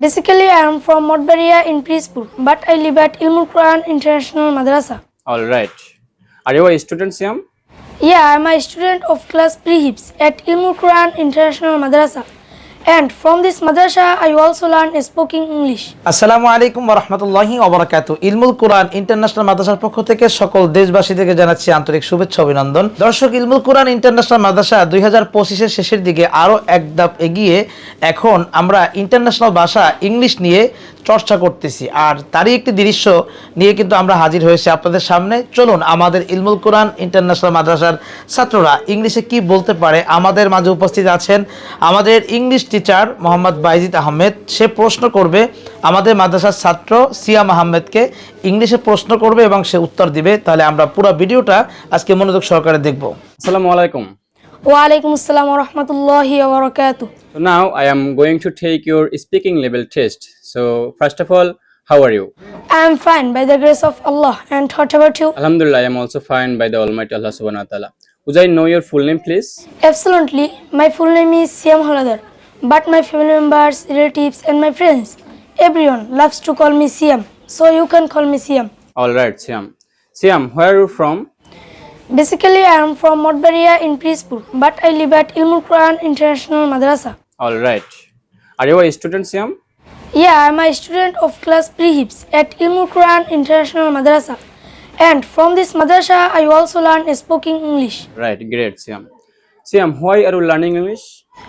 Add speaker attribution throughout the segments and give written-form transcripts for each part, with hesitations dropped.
Speaker 1: Basically, I am from Modbaria in Prispur, but I live at Ilmul Quran International Madrasa.
Speaker 2: All right. Are you a student, Siam?
Speaker 1: Yeah, I am a student of class pre-hips at Ilmul Quran International Madrasa. And from this madrasa, I also learn speaking English.
Speaker 3: আসসালামু আলাইকুম ওয়া রাহমাতুল্লাহি ওয়া বারাকাতুহু। ইলমুল কুরআন international মাদ্রাসার পক্ষ থেকে সকল দেশবাসীদেরকে জানাচ্ছি আন্তরিক শুভেচ্ছা অভিনন্দন। দর্শক, ইলমুল কুরআন ইন্টারন্যাশনাল মাদ্রাসা 2025 এর শেষের দিকে আরো এক ধাপ এগিয়ে এখন আমরা ইন্টারন্যাশনাল ভাষা ইংলিশ নিয়ে চর্চা করতেছি, আর তারই একটি দৃশ্য নিয়ে কিন্তু আমরা হাজির হয়েছি আপনাদের সামনে। চলুন আমাদের ইলমুল কুরআন ইন্টারন্যাশনাল মাদ্রাসার ছাত্ররা ইংলিশে কি বলতে পারে। আমাদের মাঝে উপস্থিত আছেন আমাদের ইংলিশ টিচার মোহাম্মদ বাইজিদ আহমেদ। সে প্রশ্ন করবে আমাদের মাদ্রাসার ছাত্র সিয়াম আহমেদকে, ইংলিশে প্রশ্ন করবে এবং সে উত্তর দিবে। তাহলে আমরা পুরো ভিডিওটা আজকে মনোযোগ সহকারে দেখব।
Speaker 2: Assalamu alaikum.
Speaker 1: Wa alaikum assalam wa rahmatullahi wa barakatuh.
Speaker 2: So now I am going to take your speaking level test. So first of all, how are you?
Speaker 1: I am fine by the grace of Allah. And what about you?
Speaker 2: Alhamdulillah, I am also fine by the Almighty Allah Subhanahu wa Taala. Would I know your full name, please?
Speaker 1: Absolutely. My full name is Siam Haladar, but my family members, relatives, and my friends, everyone loves to call me Siam. So you can call me Siam.
Speaker 2: All right, Siam. Siam, where are you from?
Speaker 1: Basically, I am from Modbaria in Prispur, but I live at Ilmul Quran International Madrasa.
Speaker 2: All right. Are you a student, Siam?
Speaker 1: Yeah, I am a student of class pre-hips at Ilmul Quran International Madrasa. And from this madrasa, I also learn speaking English.
Speaker 2: Right, great, Siam. Siam, why are you learning English?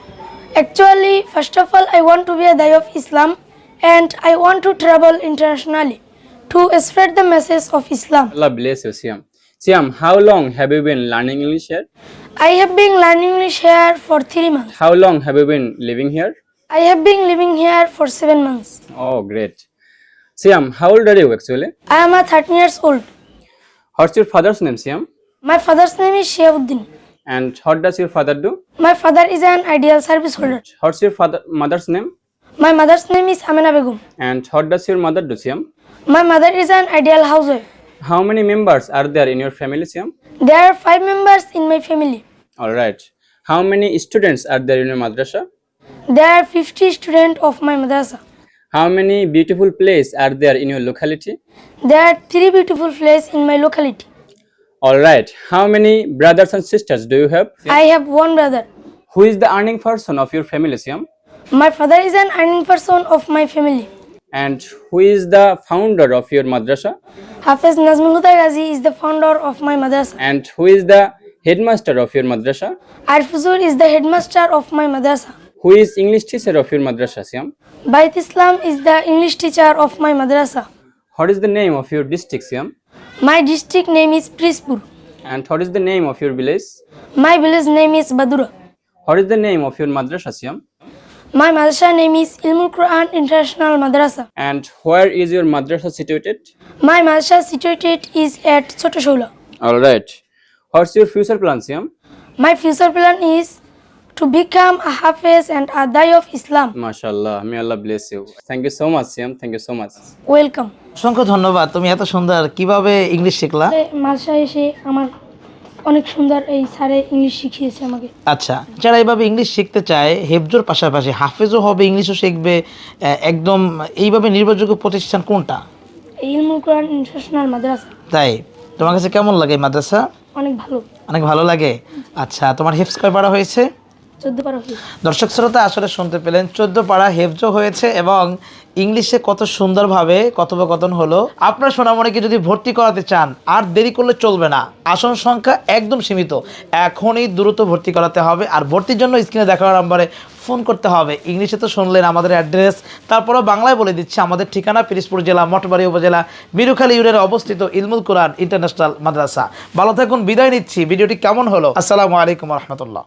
Speaker 1: Actually, first of all, I want to be a Dai of Islam, and I want to travel internationally to spread the message of Islam.
Speaker 2: Allah bless you, Siam. Siam, how long have you been learning English here?
Speaker 1: I have been learning English here for 3 months.
Speaker 2: How long have you been living here?
Speaker 1: I have been living here for 7 months.
Speaker 2: Oh, great. Siam, how old are you actually?
Speaker 1: I am a 13 years old.
Speaker 2: What's your father's name, Siam?
Speaker 1: My father's name is Shiauddin.
Speaker 2: And what does your father do?
Speaker 1: My father is an ideal service holder.
Speaker 2: What's your mother's name?
Speaker 1: My mother's name is Amina Begum.
Speaker 2: And what does your mother do, Siam?
Speaker 1: My mother is an ideal housewife.
Speaker 2: How many members are there in your family, Siam?
Speaker 1: There are 5 members in my family.
Speaker 2: All right. How many students are there in your madrasa?
Speaker 1: There are 50 students of my madrasa.
Speaker 2: How many beautiful places are there in your locality?
Speaker 1: There are 3 beautiful places in my locality.
Speaker 2: All right. How many brothers and sisters do you have?
Speaker 1: I have 1 brother.
Speaker 2: Who is the earning person of your family, Siam?
Speaker 1: My father is an earning person of my family.
Speaker 2: And who is the founder of your madrasa?
Speaker 1: Hafiz Nazmul Huda Ghazi is the founder of my madrasa.
Speaker 2: And who is the headmaster of your madrasa?
Speaker 1: Arif Huzur is the headmaster of my madrasa.
Speaker 2: Who is English teacher of your madrasa, Siam?
Speaker 1: Bait Islam is the English teacher of my madrasa.
Speaker 2: What is the name of your district, Siam?
Speaker 1: My district name is Prispur.
Speaker 2: And what is the name of your village?
Speaker 1: My village name is Badura.
Speaker 2: What is the name of your madrasa, Siam?
Speaker 1: My madrasa name is Ilmul Quran International Madrasa.
Speaker 2: And where is your madrasa situated?
Speaker 1: My madrasa situated is at Chotoshola.
Speaker 2: All right. What's your future plan, Siam?
Speaker 1: My future plan is to become a Hafiz and a Dai of Islam.
Speaker 2: MashaAllah. May Allah bless you. Thank you so much, Siam. Thank you so much.
Speaker 1: Welcome.
Speaker 3: অসংখ্য ধন্যবাদ। তুমি এত সুন্দর কিভাবে English শিখলা?
Speaker 1: মাদ্রাসায় এসে আমার অনেক সুন্দর এই স্যারে ইংলিশ শিখিয়েছে আমাকে।
Speaker 3: আচ্ছা, যারা এইভাবে ইংলিশ শিখতে চায়, হেফজোর পাশাপাশি হাফেজও হবে, ইংলিশও শিখবে, একদম এইভাবে নির্ভরযোগ্য প্রতিষ্ঠান কোনটা?
Speaker 1: ইলমুল কোরআন ইন্টারন্যাশনাল মাদ্রাসা।
Speaker 3: তাই তোমার কাছে কেমন লাগে এই মাদ্রাসা?
Speaker 1: অনেক ভালো।
Speaker 3: অনেক ভালো লাগে। আচ্ছা, তোমার হেফজ কয় পারা হয়েছে?
Speaker 1: 14 পারা হয়েছে।
Speaker 3: দর্শক শ্রোতা আসলে শুনতে পেলেন, 14 পারা হেফজও হয়েছে এবং ইংলিশে কত সুন্দরভাবে কথোপকথন হলো। আপনার সোনামণিকে যদি ভর্তি করাতে চান, আর দেরি করলে চলবে না। আসন সংখ্যা একদম সীমিত, এখনই দ্রুত ভর্তি করাতে হবে। আর ভর্তির জন্য স্ক্রিনে দেখানো নাম্বারে ফোন করতে হবে। ইংলিশে তো শুনলেন আমাদের অ্যাড্রেস, তারপরেও বাংলায় বলে দিচ্ছি আমাদের ঠিকানা পিরিজপুর জেলা মঠবাড়ি উপজেলা মিরুখালী ইউনিয়নে অবস্থিত ইলমুল কোরআন ইন্টারন্যাশনাল মাদ্রাসা। ভালো থাকুন, বিদায় নিচ্ছি। ভিডিওটি কেমন হলো? আসসালামু আলাইকুম রহমতুল্লাহ।